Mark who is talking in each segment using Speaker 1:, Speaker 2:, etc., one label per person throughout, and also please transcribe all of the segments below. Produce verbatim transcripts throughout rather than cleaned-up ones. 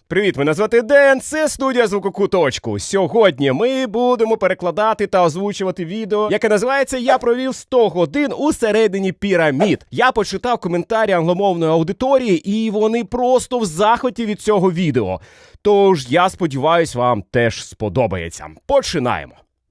Speaker 1: Привіт, мене звати Ден, це студія Звукокуточку. Сьогодні ми будемо перекладати та озвучувати відео, яке називається «Я провів сто годин у середині пірамід». Я почитав коментарі англомовної аудиторії, і вони просто в захваті від цього відео. Тож, я сподіваюсь, вам теж сподобається. Починаємо.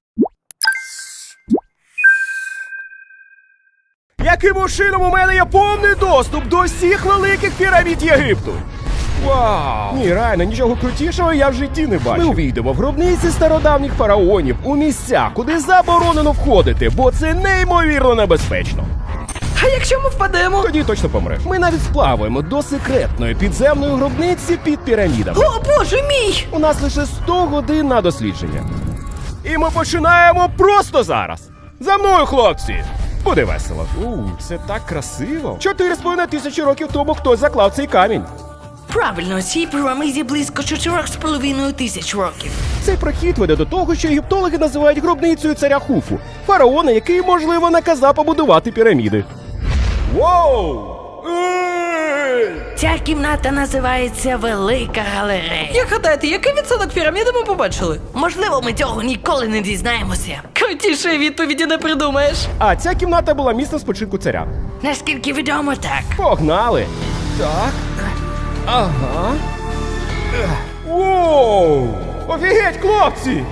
Speaker 1: Яким чином у мене є повний доступ до всіх великих пірамід Єгипту? Вау! Ні, реально, нічого крутішого я в житті не бачив. Ми увійдемо в гробниці стародавніх фараонів у місця, куди заборонено входити, бо це неймовірно небезпечно.
Speaker 2: А якщо ми впадемо?
Speaker 1: Тоді точно помреш. Ми навіть сплаваємо до секретної підземної гробниці під пірамідами.
Speaker 2: О, боже мій!
Speaker 1: У нас лише сто годин на дослідження. І ми починаємо просто зараз. За мною, хлопці! Буде весело. У, це так красиво. Чотири з половиною тисячі років тому хтось заклав цей камінь.
Speaker 2: Правильно, цій піраміді близько чотирьох з половиною тисяч років.
Speaker 1: Цей прохід веде до того, що єгиптологи називають гробницею царя Хуфу, фараона, який, можливо, наказав побудувати піраміди. Воу!
Speaker 2: Ця кімната називається Велика Галерея. Як гадаєте, який відсоток піраміди ми побачили? Можливо, ми цього ніколи не дізнаємося. Крутішої відповіді не придумаєш.
Speaker 1: А ця кімната була місцем спочинку царя.
Speaker 2: Наскільки відомо, так.
Speaker 1: Погнали! Так. Ага. Воу! Офігеть, хлопці!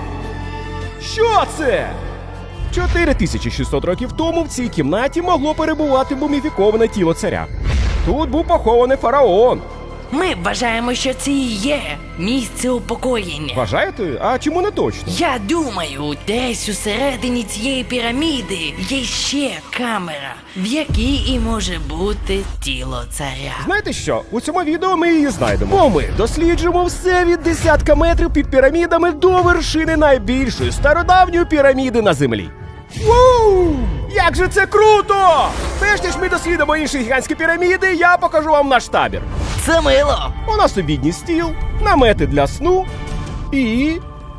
Speaker 1: Що це? чотири тисячі шістсот років тому в цій кімнаті могло перебувати муміфіковане тіло царя. Тут був похований фараон.
Speaker 2: Ми вважаємо, що це і є місце упокоєння.
Speaker 1: Вважаєте? А чому не точно?
Speaker 2: Я думаю, десь усередині цієї піраміди є ще камера, в якій і може бути тіло царя.
Speaker 1: Знаєте що? У цьому відео ми її знайдемо. Бо ми досліджуємо все від десятка метрів під пірамідами до вершини найбільшої стародавньої піраміди на землі. Воу! Як же це круто! Перш ніж ми дослідимо інші гігантські піраміди, я покажу вам наш табір.
Speaker 2: Це мило!
Speaker 1: У нас обідній стіл, намети для сну і...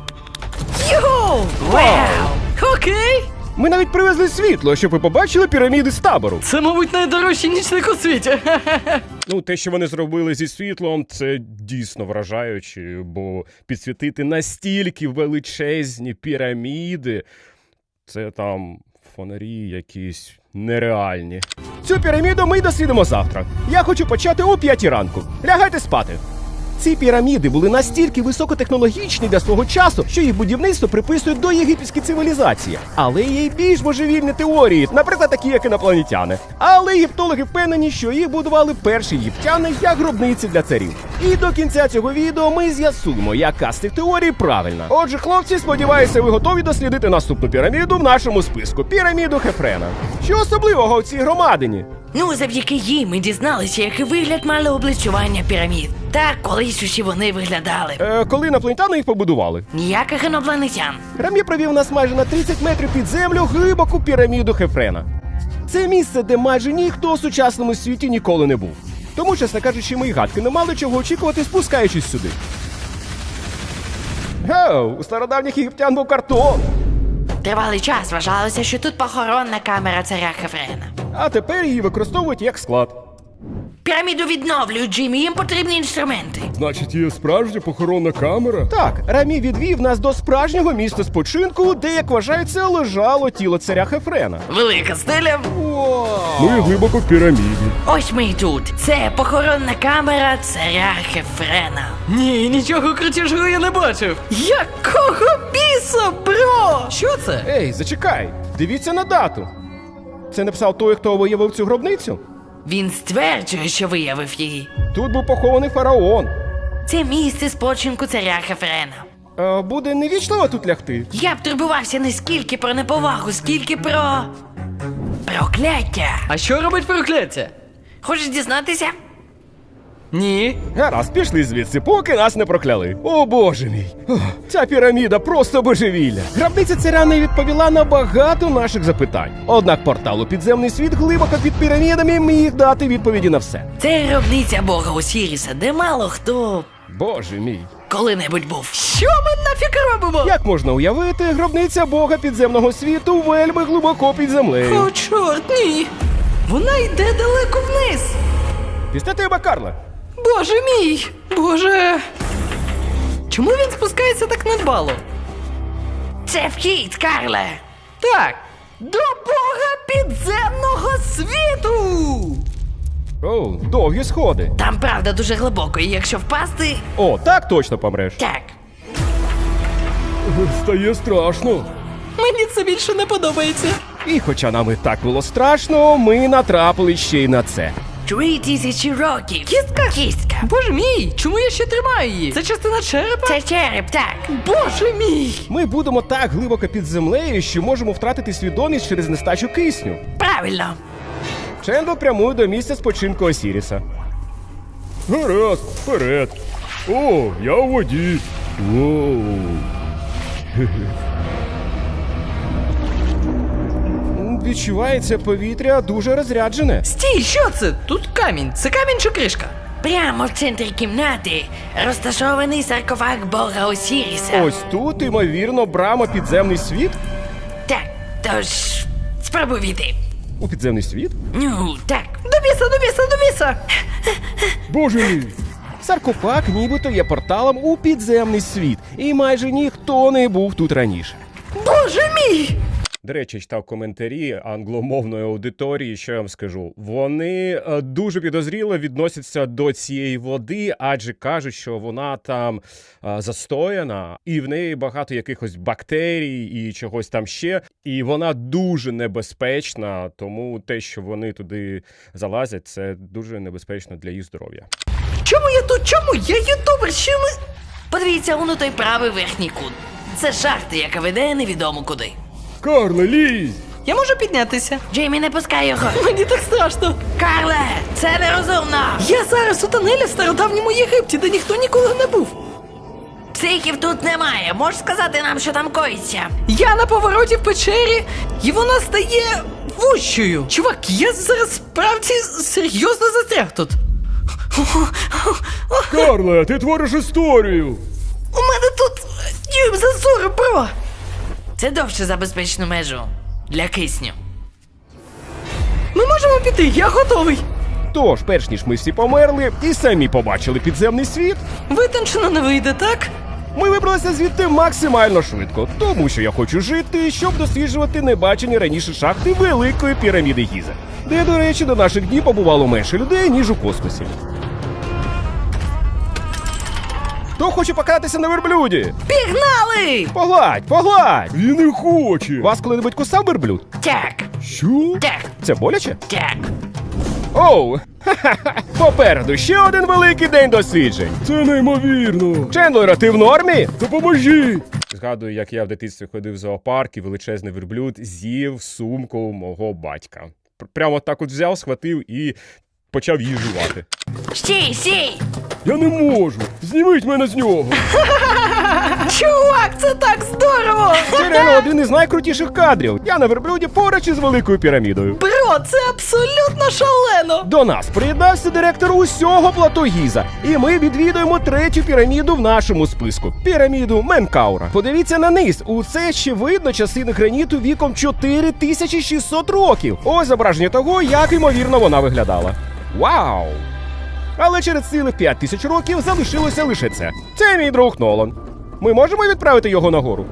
Speaker 2: Йоу! Вау! Окей!
Speaker 1: Ми навіть привезли світло, щоб ви побачили піраміди з табору.
Speaker 2: Це, мабуть, найдорожчий нічник у світі.
Speaker 1: Ну, те, що вони зробили зі світлом, це дійсно вражаюче, бо підсвітити настільки величезні піраміди, це там фонарі якісь нереальні. Цю піраміду ми дослідимо завтра. Я хочу почати о п'ятій ранку. Лягайте спати. Ці піраміди були настільки високотехнологічні для свого часу, що їх будівництво приписують до єгипетської цивілізації. Але є й більш божевільні теорії, наприклад, такі, як інопланетяни. Але єгиптологи впевнені, що їх будували перші єгиптяни як гробниці для царів. І до кінця цього відео ми з'ясуємо, яка з цих теорій правильна. Отже, хлопці, сподіваюся, ви готові дослідити наступну піраміду в нашому списку – піраміду Хефрена. Що особливого в цій громадині?
Speaker 2: Ну, завдяки їй ми дізналися, який вигляд мали облицювання пірамід. Так, колись усі вони виглядали.
Speaker 1: Е, коли інопланетяни їх побудували?
Speaker 2: Ніяких інопланетян.
Speaker 1: Рамі провів нас майже на тридцять метрів під землю глибоку піраміду Хефрена. Це місце, де майже ніхто у сучасному світі ніколи не був. Тому, чесно кажучи, ми й гадки не мали чого очікувати, спускаючись сюди. Гоу, у стародавніх єгиптян був картон.
Speaker 2: Тривалий час вважалося, що тут похоронна камера царя Хефрена.
Speaker 1: А тепер її використовують як склад.
Speaker 2: Піраміду відновлюють, Джиммі, їм потрібні інструменти.
Speaker 1: Значить, є справжня похоронна камера? Так, Рамі відвів нас до справжнього місця спочинку, де, як вважається, лежало тіло царя Хефрена.
Speaker 2: Велика стиля.
Speaker 1: Вау! Ми глибоко в піраміді.
Speaker 2: Ось ми і тут. Це похоронна камера царя Хефрена. Ні, нічого крутішого я не бачив. Якого біса, бро? Що це?
Speaker 1: Ей, зачекай, дивіться на дату. Це написав той, хто виявив цю гробницю?
Speaker 2: Він стверджує, що виявив її.
Speaker 1: Тут був похований фараон.
Speaker 2: Це місце спочинку царя Хефрена.
Speaker 1: А, буде невічливо тут лягти?
Speaker 2: Я б турбувався не скільки про неповагу, скільки про... прокляття.
Speaker 3: А що робить прокляття?
Speaker 2: Хочеш дізнатися?
Speaker 3: Ні.
Speaker 1: Гаразд, пішли звідси, поки нас не прокляли. О, боже мій. Ох, ця піраміда просто божевілля. Гробниця царя не відповіла на багато наших запитань. Однак портал у підземний світ глибоко під пірамідами міг дати відповіді на все.
Speaker 2: Це гробниця бога Осіріса, де мало хто
Speaker 1: Боже мій.
Speaker 2: коли-небудь був.
Speaker 3: Що ми нафіг робимо?
Speaker 1: Як можна уявити, гробниця бога підземного світу вельми глибоко під землею.
Speaker 3: О, чорт, ні. Вона йде далеко вниз.
Speaker 1: Після тебе, Карле.
Speaker 3: Боже мій! Боже! стрибало?
Speaker 2: Це вхід, Карле.
Speaker 3: Так. До бога підземного світу!
Speaker 1: О, довгі сходи.
Speaker 2: Там правда дуже глибоко, і якщо впасти...
Speaker 1: О, так точно помреш.
Speaker 2: Так.
Speaker 1: Стає страшно.
Speaker 3: Мені це більше не подобається.
Speaker 1: І хоча нам і так було страшно, ми натрапили ще й на це.
Speaker 2: Три тисячі років.
Speaker 3: Кістка?
Speaker 2: Кістка.
Speaker 3: Боже мій, чому я ще тримаю її? Це частина черепа?
Speaker 2: Це череп, так.
Speaker 3: Боже мій!
Speaker 1: Ми будемо так глибоко під землею, що можемо втратити свідомість через нестачу кисню.
Speaker 2: Правильно.
Speaker 1: Чендл прямує до місця спочинку Осіріса. Гаразд, вперед. О, я у воді. Воу. Відчувається повітря дуже розряджене.
Speaker 3: Стій, що це? Тут камінь. Це камінь чи кришка?
Speaker 2: Прямо в центрі кімнати розташований саркофаг бога Осіріса.
Speaker 1: Ось тут, ймовірно, брама підземний світ?
Speaker 2: Так, тож спробуй війти.
Speaker 1: У підземний світ?
Speaker 2: Ну, так.
Speaker 3: До біса, до біса, до біса!
Speaker 1: Боже мій! Саркофаг нібито є порталом у підземний світ, і майже ніхто не був тут раніше.
Speaker 3: Боже мій!
Speaker 1: До речі, читав коментарі англомовної аудиторії, що я вам скажу. Вони е, дуже підозріло відносяться до цієї води, адже кажуть, що вона там е, застояна, і в неї багато якихось бактерій і чогось там ще. І вона дуже небезпечна, тому те, що вони туди залазять, це дуже небезпечно для їх здоров'я.
Speaker 3: Чому я тут? Чому? Я ютубер, що ми...
Speaker 2: Подивіться он у той правий верхній кут. Це шахта, яка веде невідомо куди.
Speaker 1: Карле, лізь!
Speaker 3: Я можу піднятися?
Speaker 2: Джеймі, не пускай його.
Speaker 3: Мені так страшно.
Speaker 2: Карле, це нерозумно.
Speaker 3: Я зараз у тунелі в стародавньому Єгипті, де ніхто ніколи не був.
Speaker 2: Психів тут немає. Можеш сказати нам, що там коїться?
Speaker 3: Я на повороті в печері, і вона стає вущою. Чувак, я зараз справді серйозно застряг тут.
Speaker 1: Карле, ти твориш історію!
Speaker 3: У мене тут дюйм зазору, бро.
Speaker 2: Це довше за безпечну межу. Для кисню.
Speaker 3: Ми можемо піти, я готовий.
Speaker 1: Тож, перш ніж ми всі померли і самі побачили підземний світ,
Speaker 3: Витончено не вийде, так?
Speaker 1: ми вибралися звідти максимально швидко, тому що я хочу жити, щоб досліджувати небачені раніше шахти Великої піраміди Гізи, де, до речі, до наших днів побувало менше людей, ніж у космосі. Хто хоче покататися на верблюді?
Speaker 3: Пігнали!
Speaker 1: Погладь, погладь! Він не хоче! Вас коли-небудь кусав верблюд?
Speaker 2: Так,
Speaker 1: Що?
Speaker 2: так,
Speaker 1: Це боляче?
Speaker 2: так.
Speaker 1: Оу! Ха-ха-ха! Попереду ще один великий день досліджень! Це неймовірно! Чендлера, ти в нормі? Допоможи! Згадую, як я в дитинстві ходив в зоопарк і величезний верблюд з'їв сумку мого батька. Пр- Прямо так от взяв, схватив і почав її жувати.
Speaker 2: Стій, стій!
Speaker 1: Я не можу! Зніміть мене з нього!
Speaker 3: Чувак, це так здорово!
Speaker 1: Це реально один із найкрутіших кадрів. Я на верблюді поруч із Великою пірамідою.
Speaker 3: Бро, це абсолютно шалено!
Speaker 1: До нас приєднався директор усього плато Гіза, і ми відвідуємо третю піраміду в нашому списку – піраміду Менкаура. Подивіться на низ, усе ще видно частини граніту віком чотири тисячі шістсот років. Ось зображення того, як ймовірно вона виглядала. Вау! Але через цілих п'ять тисяч років залишилося лише це. Це мій друг Нолан. Ми можемо відправити його нагору?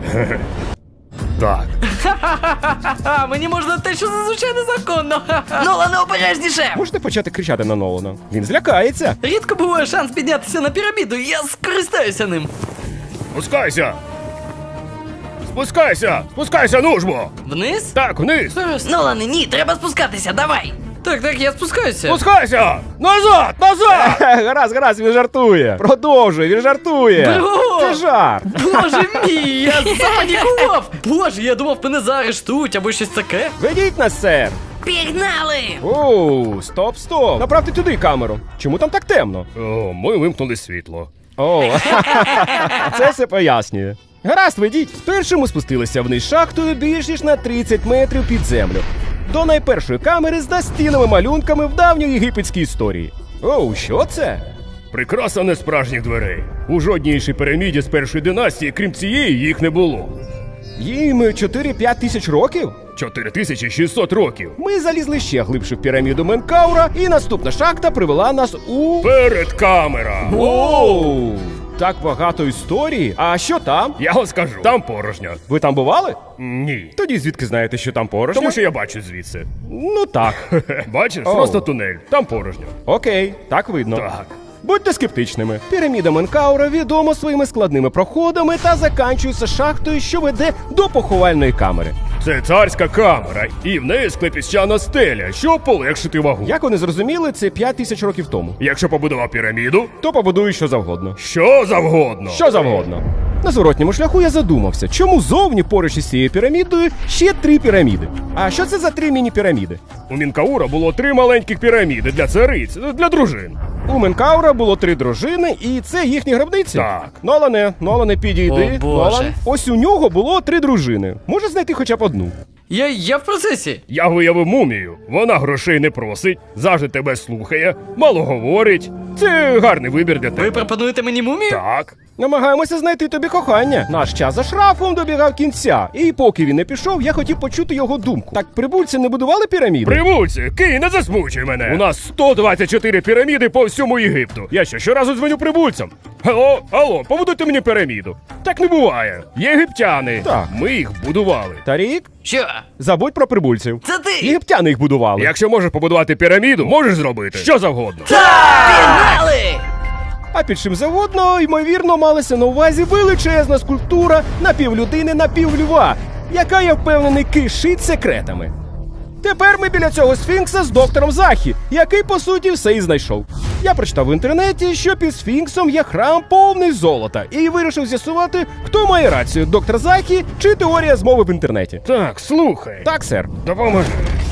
Speaker 1: Так.
Speaker 3: Ха-ха, мені можна те, що зазвичай незаконно.
Speaker 2: Нолане, обережніше!
Speaker 1: Можете почати кричати на Нолана? Він злякається.
Speaker 3: Рідко буває шанс піднятися на піраміду, і я скористаюся ним.
Speaker 1: Спускайся! Спускайся! Спускайся, нужбо!
Speaker 3: Вниз?
Speaker 1: Так, вниз!
Speaker 3: Зараз.
Speaker 2: Нолане, ні, треба спускатися, давай!
Speaker 3: Так, так, я спускаюся.
Speaker 1: Спускайся! Назад! Назад! Гаразд, гаразд, він жартує. Продовжуй, він жартує.
Speaker 3: Бро!
Speaker 1: Це жарт.
Speaker 3: Боже мій, я запанікував! Боже, я думав, мене заарештують або щось таке.
Speaker 1: Ведіть нас, сер.
Speaker 2: Пігнали!
Speaker 1: Оу, стоп, стоп. Направте туди камеру. Чому там так темно? О, ми вимкнули світло. О, це все пояснює. Гаразд, ведіть. Спершу ми спустилися вниз шахтою більш ніж на тридцять метрів під землю. До найпершої камери з настінними малюнками в давньоєгипетській історії. Оу, що це? Прикраса несправжніх дверей. У жодній іншій піраміді з першої династії, крім цієї, їх не було. Їм чотири-п'ять тисяч років? чотири тисячі шістсот років. Ми залізли ще глибше в піраміду Менкаура, і наступна шахта привела нас у... Перед камера! Оу! так багато історії. А що там?
Speaker 4: Я вам скажу, там порожньо.
Speaker 1: Ви там бували?
Speaker 4: Ні.
Speaker 1: Тоді звідки знаєте, що там порожньо?
Speaker 4: Тому що я бачу звідси.
Speaker 1: Ну так.
Speaker 4: Бачиш?
Speaker 1: Оу.
Speaker 4: Просто тунель. Там порожньо.
Speaker 1: Окей, так видно.
Speaker 4: Так.
Speaker 1: Будьте скептичними. Піраміда Менкаура відома своїми складними проходами та заканчується шахтою, що веде до поховальної камери.
Speaker 4: Це царська камера, і в неї склепіщана стеля, щоб полегшити вагу.
Speaker 1: Як вони зрозуміли, це п'ять тисяч років тому.
Speaker 4: Якщо побудував піраміду,
Speaker 1: То побудую що завгодно.
Speaker 4: що завгодно.
Speaker 1: Що завгодно. На зворотньому шляху я задумався, чому зовні поруч із цією пірамідою ще три піраміди. А що це за три міні-піраміди?
Speaker 4: У Мінкаура було три маленьких піраміди для цариць, для дружин.
Speaker 1: У Менкаура було три дружини, і це їхні гробниці?
Speaker 4: Так.
Speaker 1: Нолане, Нолане, підійди.
Speaker 2: О, Боже.
Speaker 1: Нолан. Ось у нього було три дружини. Може знайти хоча б одну.
Speaker 3: Я, я в процесі.
Speaker 4: Я виявив мумію. Вона грошей не просить, завжди тебе слухає, мало говорить. Це гарний вибір для
Speaker 3: Ви
Speaker 4: тебе.
Speaker 3: пропонуєте мені мумію?
Speaker 4: Так.
Speaker 1: Намагаємося знайти тобі кохання. Наш час за шрафом добігав кінця. І поки він не пішов, я хотів почути його думку. Так прибульці не будували піраміди?
Speaker 4: Прибульці, Кий, не засмучуй мене. У нас сто двадцять чотири піраміди по всьому Єгипту. Я що, щоразу дзвоню прибульцям? Алло, алло, побудуйте мені піраміду. Так не буває. Єгиптяни.
Speaker 1: Так.
Speaker 4: Ми їх будували.
Speaker 1: Тарік,
Speaker 2: Що?
Speaker 1: забудь про прибульців.
Speaker 2: Це ти?
Speaker 1: Єгиптяни їх будували.
Speaker 4: Якщо можеш побудувати піраміду, можеш зробити що завгодно.
Speaker 2: Пігнали!
Speaker 1: А під чим завгодно, ймовірно, малася на увазі величезна скульптура напівлюдини, напівльва, яка, я впевнений, кишить секретами. Тепер ми біля цього сфінкса з доктором Захі, який, по суті, все і знайшов. Я прочитав в інтернеті, що під сфінксом є храм повний золота, і вирішив з'ясувати, хто має рацію, доктор Захі чи теорія змови в інтернеті.
Speaker 4: Так, слухай.
Speaker 1: Так, сер.
Speaker 4: Допоможи.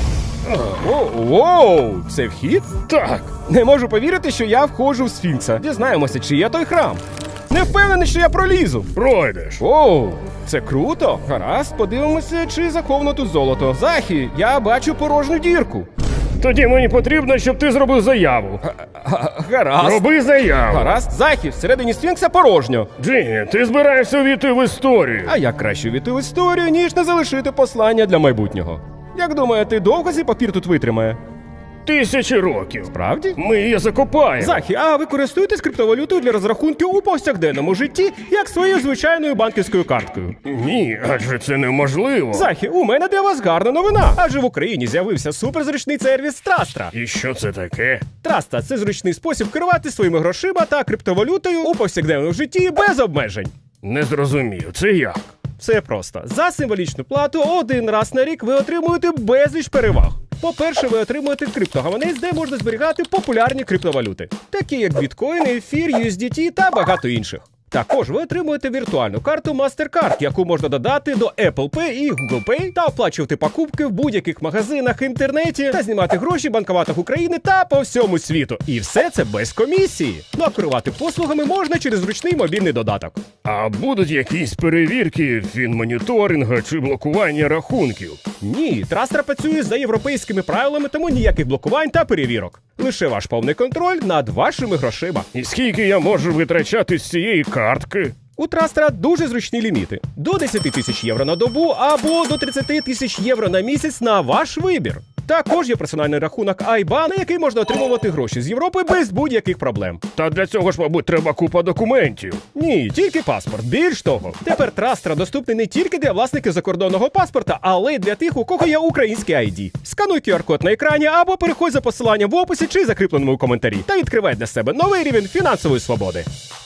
Speaker 1: О, воу, це вхід?
Speaker 4: Так.
Speaker 1: Не можу повірити, що я входжу в сфінкса. Дізнаємося, чи є той храм. Не впевнений, що я пролізу.
Speaker 4: Пройдеш.
Speaker 1: Оу, це круто. Гаразд, подивимося, чи заховано тут золото. Захі, я бачу порожню дірку.
Speaker 4: Тоді мені потрібно, щоб ти зробив заяву.
Speaker 1: Гаразд.
Speaker 4: Роби заяву.
Speaker 1: Гаразд, Захі, всередині сфінкса порожньо.
Speaker 4: Джині, ти збираєшся увійти в історію.
Speaker 1: А як краще війти в історію, ніж не залишити послання для майбутнього? Як думаєте, довго цей папір тут витримає?
Speaker 4: Тисячі років.
Speaker 1: Правді?
Speaker 4: Ми її закопаємо.
Speaker 1: Захі, а ви користуєтесь криптовалютою для розрахунків у повсякденному житті, як своєю звичайною банківською карткою?
Speaker 4: Ні, адже це неможливо.
Speaker 1: Захі, у мене для вас гарна новина. Адже в Україні з'явився суперзручний сервіс Трастра.
Speaker 4: І що це таке?
Speaker 1: Траста – це зручний спосіб керувати своїми грошима та криптовалютою у повсякденному житті без обмежень.
Speaker 4: Не зрозумів, це як?
Speaker 1: Все просто. За символічну плату один раз на рік ви отримуєте безліч переваг. По-перше, ви отримуєте криптогаманець, де можна зберігати популярні криптовалюти, такі як біткоін, ефір, ю ес ді ті та багато інших. Також ви отримуєте віртуальну карту MasterCard, яку можна додати до Apple Pay і Google Pay та оплачувати покупки в будь-яких магазинах, інтернеті та знімати гроші в банкоматах України та по всьому світу. І все це без комісії. Ну а керувати послугами можна через зручний мобільний додаток.
Speaker 4: А будуть якісь перевірки, фінмоніторинга чи блокування рахунків?
Speaker 1: Ні, Трастра працює за європейськими правилами, тому ніяких блокувань та перевірок. Лише ваш повний контроль над вашими грошима.
Speaker 4: І скільки я можу витрачати з цієї картки?
Speaker 1: У Трастра дуже зручні ліміти. До десять тисяч євро на добу або до тридцять тисяч євро на місяць на ваш вибір. Також є персональний рахунок ай бан, на який можна отримувати гроші з Європи без будь-яких проблем.
Speaker 4: Та для цього ж, мабуть, треба купа документів.
Speaker 1: Ні, тільки паспорт. Більш того, тепер Трастра доступний не тільки для власників закордонного паспорта, але й для тих, у кого є український ай ді. Скануй ку ар код на екрані або переходь за посиланням в описі чи закріпленому у коментарі та відкривай для себе новий рівень фінансової свободи.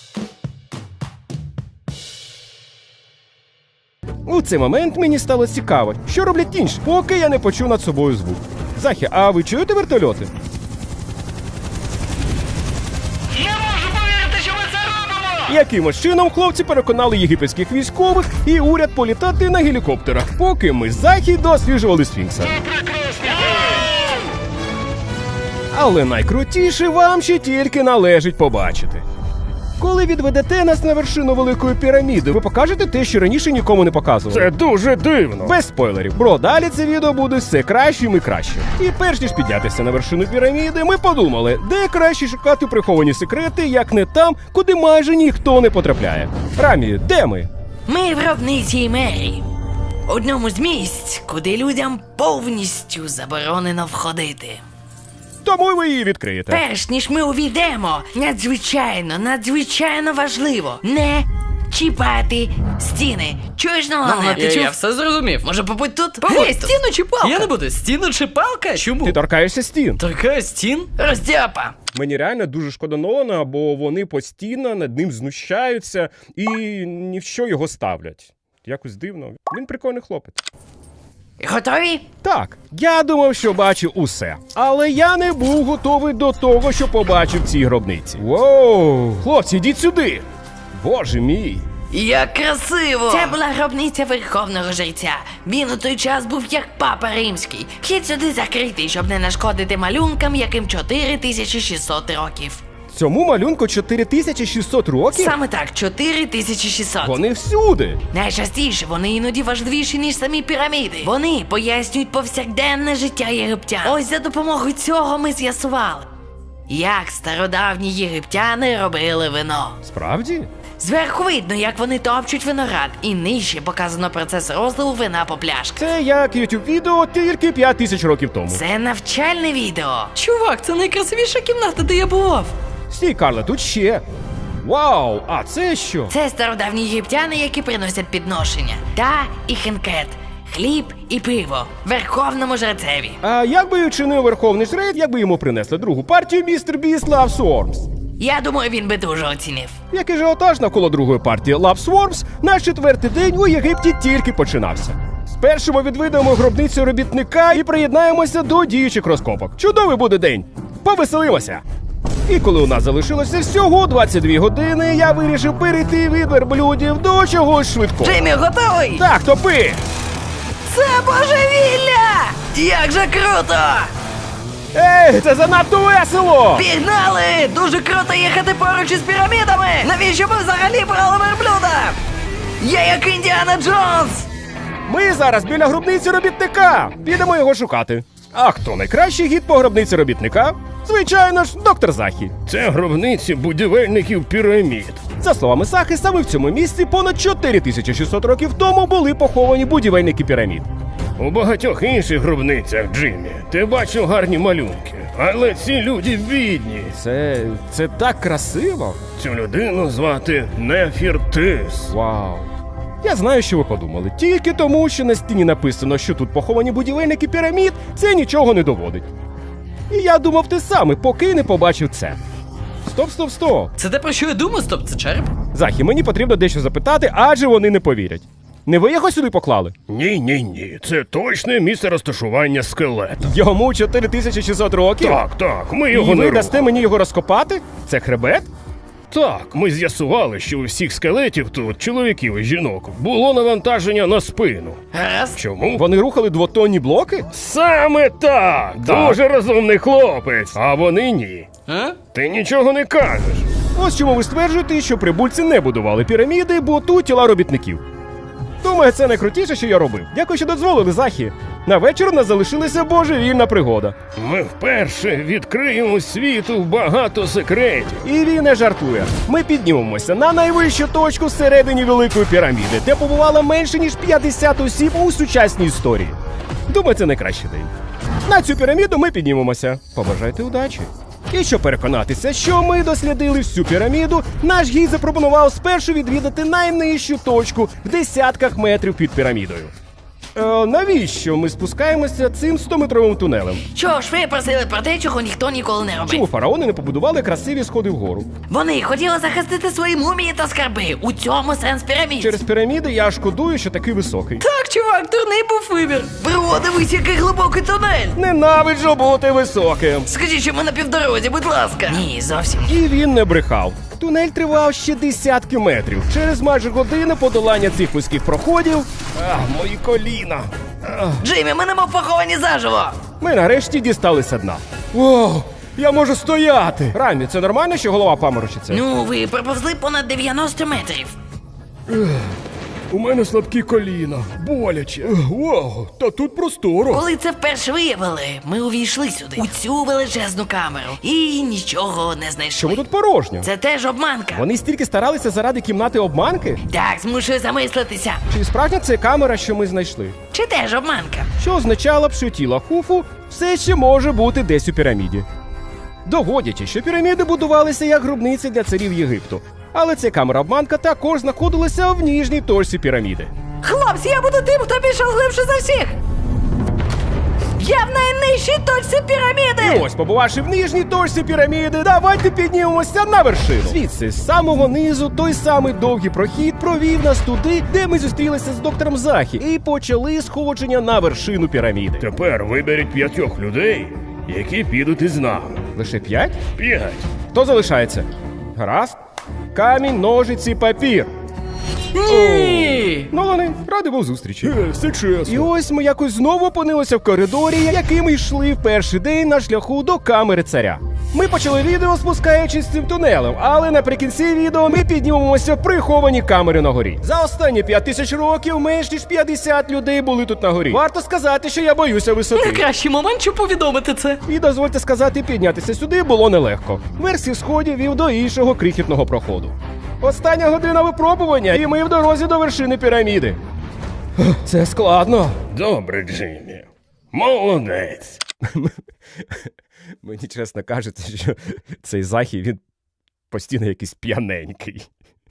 Speaker 1: У цей момент мені стало цікаво, що роблять інші, поки я не почув над собою звук. Захі, а ви чуєте вертольоти?
Speaker 2: Не можу повірити, що ми це робимо!
Speaker 1: Якимось чином хлопці переконали єгипетських військових і уряд політати на гелікоптерах, поки ми з Захі досліджували сфінкса. Але найкрутіше вам ще тільки належить побачити. Коли відведете нас на вершину Великої піраміди, ви покажете те, що раніше нікому не показували.
Speaker 4: Це дуже дивно.
Speaker 1: Без спойлерів. Бро, далі це відео буде все кращим і кращим. І перш ніж піднятися на вершину піраміди, ми подумали, де краще шукати приховані секрети, як не там, куди майже ніхто не потрапляє. Рамі, де ми?
Speaker 2: Ми в гробниці мерії. Одному з місць, куди людям повністю заборонено входити.
Speaker 1: Тому ви її відкриєте.
Speaker 2: Перш ніж ми увійдемо, надзвичайно, надзвичайно важливо не чіпати стіни. Чуєш, Нолане?
Speaker 3: Ну,
Speaker 2: Ти
Speaker 3: я,
Speaker 2: чув?
Speaker 3: я все зрозумів.
Speaker 2: Може, побудь тут?
Speaker 3: Побудь
Speaker 2: Гей,
Speaker 3: тут.
Speaker 2: стіну чи палка?
Speaker 3: Я не буду. Стіну чи палка? Чому?
Speaker 1: Ти торкаєшся стін.
Speaker 3: Торкаю стін?
Speaker 2: Роздяпа.
Speaker 1: Мені реально дуже шкода Нолана, бо вони постійно над ним знущаються і ні в що його ставлять. Якось дивно. Він прикольний хлопець.
Speaker 2: Готові?
Speaker 1: Так, я думав, що бачив усе. Але я не був готовий до того, що побачив в цій гробниці. Воу! Хлопці, йдіть сюди! Боже мій!
Speaker 2: Як красиво! Це була гробниця Верховного Жреця. Він у той час був як папа римський. Вхід сюди закритий, щоб не нашкодити малюнкам, яким чотири тисячі шістсот років.
Speaker 1: Цьому малюнку чотири тисячі шістсот років?
Speaker 2: Саме так, чотири тисячі шістсот.
Speaker 1: Вони всюди!
Speaker 2: Найчастіше вони іноді важливіші, ніж самі піраміди. Вони пояснюють повсякденне життя єгиптян. Ось за допомогою цього ми з'ясували, як стародавні єгиптяни робили вино.
Speaker 1: Справді?
Speaker 2: Зверху видно, як вони топчуть виноград, і нижче показано процес розливу вина по пляшках.
Speaker 1: Це як YouTube відео тільки п'ять тисяч років тому.
Speaker 2: Це навчальне відео.
Speaker 3: Чувак, це найкрасивіша кімната, де я бував.
Speaker 1: Стій, Карле, тут ще. Вау, а це що?
Speaker 2: Це стародавні єгиптяни, які приносять підношення. Та і хенкет. Хліб і пиво. Верховному жрецеві.
Speaker 1: А як би чинив Верховний Жрець, якби йому принесли другу партію містер Біст Love Swarms?
Speaker 2: Я думаю, він би дуже оцінив.
Speaker 1: Який же отаж навколо другої партії Love Swarms, наш четвертий день у Єгипті тільки починався. Спершу ми відвідаємо гробницю робітника і приєднаємося до діючих розкопок. Чудовий буде день! Повеселимося! І коли у нас залишилося всього двадцять дві години, я вирішив перейти від верблюдів до чогось швидкого.
Speaker 2: Джеймі, готовий?
Speaker 1: Так, топи!
Speaker 2: Це божевілля! Як же круто!
Speaker 1: Ей, це занадто весело!
Speaker 2: Пігнали! Дуже круто їхати поруч із пірамідами! Навіщо ми взагалі брали верблюда? Я як Індіана Джонс!
Speaker 1: Ми зараз біля гробниці робітника. Підемо його шукати. А хто найкращий гід по гробниці робітника? Звичайно ж, доктор Захі.
Speaker 4: Це гробниці будівельників пірамід.
Speaker 1: За словами Сахи, саме в цьому місці понад чотири тисячі шістсот років тому були поховані будівельники пірамід.
Speaker 4: У багатьох інших гробницях, Джиммі, ти бачив гарні малюнки. Але ці люди бідні.
Speaker 1: Це... це так красиво.
Speaker 4: Цю людину звати Нефіртис.
Speaker 1: Вау. Я знаю, що ви подумали. Тільки тому, що на стіні написано, що тут поховані будівельники пірамід, це нічого не доводить. І я думав те саме, поки не побачив це. Стоп, стоп, стоп.
Speaker 3: Це те, про що я думаю? Стоп, це череп?
Speaker 1: Захі, мені потрібно дещо запитати, адже вони не повірять. Не ви його сюди поклали?
Speaker 4: Ні-ні-ні, це точне місце розташування скелета.
Speaker 1: Йому чотири тисячі шістсот років?
Speaker 4: Так, так, ми
Speaker 1: І
Speaker 4: його не
Speaker 1: ви дасте
Speaker 4: рухали.
Speaker 1: мені його розкопати? Це хребет?
Speaker 4: Так, ми з'ясували, що у всіх скелетів тут, чоловіків і жінок, було навантаження на спину.
Speaker 2: Гаразд.
Speaker 4: Чому?
Speaker 1: Вони рухали двотонні блоки?
Speaker 4: Саме так!
Speaker 1: Так.
Speaker 4: Дуже розумний хлопець, а вони ні.
Speaker 3: А?
Speaker 4: Ти нічого не кажеш.
Speaker 1: Ось чому ви стверджуєте, що прибульці не будували піраміди, бо тут тіла робітників. Думаю, це найкрутіше, що я робив. Дякую, що дозволили, Захі. На вечір у нас залишилася божевільна пригода.
Speaker 4: Ми вперше відкриємо світу багато секретів.
Speaker 1: І він не жартує. Ми піднімемося на найвищу точку всередині Великої піраміди, де побувало менше, ніж п'ятдесят осіб у сучасній історії. Думаю, це найкращий день. На цю піраміду ми піднімемося. Побажайте удачі. І щоб переконатися, що ми дослідили всю піраміду, наш гід запропонував спершу відвідати найнижчу точку в десятках метрів під пірамідою. Е, навіщо ми спускаємося цим стометровим тунелем?
Speaker 2: Чого ж ви просили про те, чого ніхто ніколи не робив?
Speaker 1: Чому фараони не побудували красиві сходи вгору?
Speaker 2: Вони хотіли захистити свої мумії та скарби. У цьому сенс пірамід.
Speaker 1: Через піраміди я шкодую, що такий високий.
Speaker 3: Так, чувак, дурний був вибір.
Speaker 2: Бро, дивись, який глибокий тунель.
Speaker 1: Ненавиджу бути високим.
Speaker 2: Скажіть, що ми на півдорозі, будь ласка. Ні, зовсім ні.
Speaker 1: І він не брехав. Тунель тривав ще десятки метрів. Через майже годину подолання цих вузьких проходів. Ах, мої коліна. Ах.
Speaker 2: Джеймі, ми немов поховані заживо.
Speaker 1: Ми нарешті дісталися дна. О, я можу стояти. Рамі, це нормально, що голова паморочиться?
Speaker 2: Ну, ви проповзли понад дев'яносто метрів.
Speaker 4: У мене слабкі коліна, боляче. Вау, та тут просторо.
Speaker 2: Коли це вперше виявили, ми увійшли сюди, у цю величезну камеру, і нічого не знайшли.
Speaker 1: Чому тут порожньо?
Speaker 2: Це теж обманка.
Speaker 1: Вони стільки старалися заради кімнати обманки?
Speaker 2: Так, змушую замислитися.
Speaker 1: Чи справжня це камера, що ми знайшли?
Speaker 2: Чи теж обманка?
Speaker 1: Що означало б, що тіло Хуфу все ще може бути десь у піраміді. Доводячи, що піраміди будувалися як гробниці для царів Єгипту. Але ця камера-обманка також знаходилася в ніжній точці піраміди.
Speaker 2: Хлопці, я буду тим, хто пішов глибше за всіх. Я в найнижчій точці піраміди.
Speaker 1: І ось, побувавши в нижній точці піраміди, давайте піднімемося на вершину. Звідси, з самого низу, той самий довгий прохід провів нас туди, де ми зустрілися з доктором Захі, і почали сходження на вершину піраміди.
Speaker 4: Тепер виберіть п'ятьох людей, які підуть із нами.
Speaker 1: Лише п'ять?
Speaker 4: П'ять.
Speaker 1: Хто залишається? Гаразд. Камінь, ножиці, папір.
Speaker 2: Ні.
Speaker 1: Нолане, радий був зустрічі.
Speaker 4: Е, все чесно.
Speaker 1: І ось ми якось знову опинилися в коридорі, яким йшли в перший день на шляху до камери царя. Ми почали відео, спускаючись цим тунелем, але наприкінці відео ми піднімемося в приховані камери на горі. За останні п'ять тисяч років менш ніж п'ятдесят людей були тут на горі. Варто сказати, що я боюся висоти.
Speaker 3: Найкращий момент, щоб повідомити це.
Speaker 1: І дозвольте сказати, піднятися сюди було нелегко. Верх сходів вів до іншого крихітного проходу. Остання година випробування, і ми в дорозі до вершини піраміди. Це складно.
Speaker 4: Добре, Джиммі. Молодець.
Speaker 1: Мені чесно кажеться, що цей Захі, він постійно якийсь п'яненький.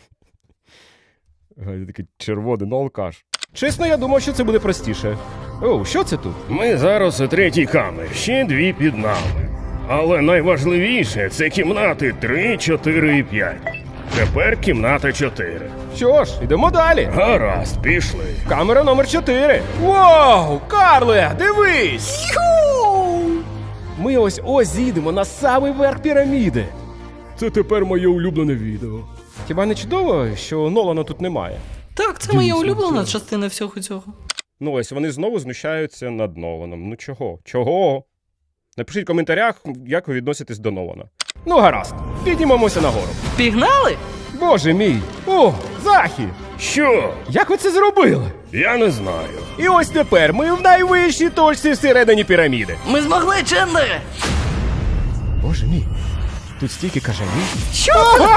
Speaker 1: Ой, такий червоний алкаш. Чесно, я думав, що це буде простіше. О, що це тут?
Speaker 4: Ми зараз у третій камері, ще дві під нами. Але найважливіше – це кімнати три, чотири і п'ять. Тепер кімната чотири.
Speaker 1: Що ж, йдемо далі.
Speaker 4: Гаразд, пішли.
Speaker 1: Камера номер чотири. Вау, Карле, дивись! Ми ось ось зійдемо на самий верх піраміди.
Speaker 4: Це тепер моє улюблене відео.
Speaker 1: Хіба не чудово, що Нолана тут немає?
Speaker 3: Так, це моя улюблена частина всього цього.
Speaker 1: Ну ось вони знову знущаються над Ноланом. Ну чого? Чого? Напишіть в коментарях, як ви відноситесь до Нолана. Ну гаразд, піднімемося нагору.
Speaker 3: Пігнали?
Speaker 1: Боже мій! О, Захі!
Speaker 4: Що?
Speaker 1: Як ви це зробили?
Speaker 4: Я не знаю.
Speaker 1: І ось тепер ми в найвищій точці всередині піраміди.
Speaker 2: Ми змогли, Чендлере.
Speaker 1: Боже мій, тут стільки кажанів.
Speaker 2: Що?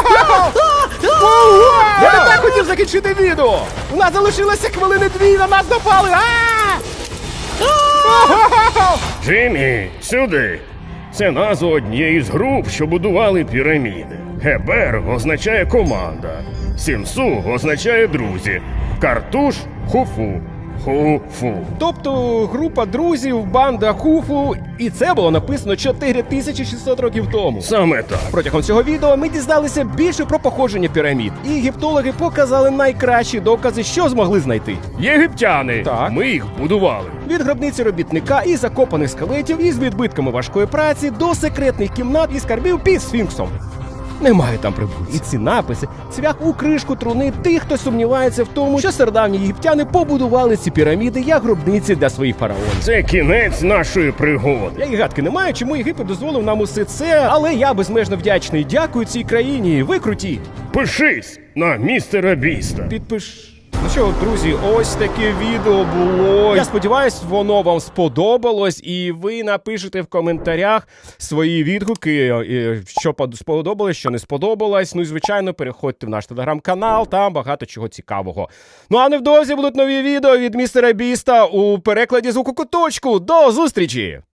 Speaker 1: Я не так хотів закінчити відео! У нас залишилося хвилини дві, на нас напали! А!
Speaker 4: Джиммі, сюди. Це назва однієї з груп, що будували піраміди. Гебер означає команда. Сімсу означає друзі. Картуш – хуфу. Ху-фу.
Speaker 1: Тобто група друзів, банда Хуфу, і це було написано чотири тисячі шістсот років тому.
Speaker 4: Саме так.
Speaker 1: Протягом цього відео ми дізналися більше про походження пірамід, і єгиптологи показали найкращі докази, що змогли знайти.
Speaker 4: Єгиптяни.
Speaker 1: Так.
Speaker 4: Ми їх будували.
Speaker 1: Від гробниці робітника і закопаних скелетів із відбитками важкої праці до секретних кімнат і скарбів під сфінксом. Немає там прибульців. І ці написи цвях у кришку труни тих, хто сумнівається в тому, що стародавні єгиптяни побудували ці піраміди як гробниці для своїх фараонів.
Speaker 4: Це кінець нашої пригоди.
Speaker 1: Я і гадки не маю, чому Єгипет дозволив нам усе це, але я безмежно вдячний. Дякую цій країні. Ви круті.
Speaker 4: Пишись на містера Біста.
Speaker 1: Підпиш. Ну що, друзі, ось таке відео було. Я сподіваюсь, воно вам сподобалось, і ви напишете в коментарях свої відгуки, що сподобалось, що не сподобалось. Ну і, звичайно, переходьте в наш телеграм-канал, там багато чого цікавого. Ну а невдовзі будуть нові відео від містера Біста у перекладі звуку куточку. До зустрічі!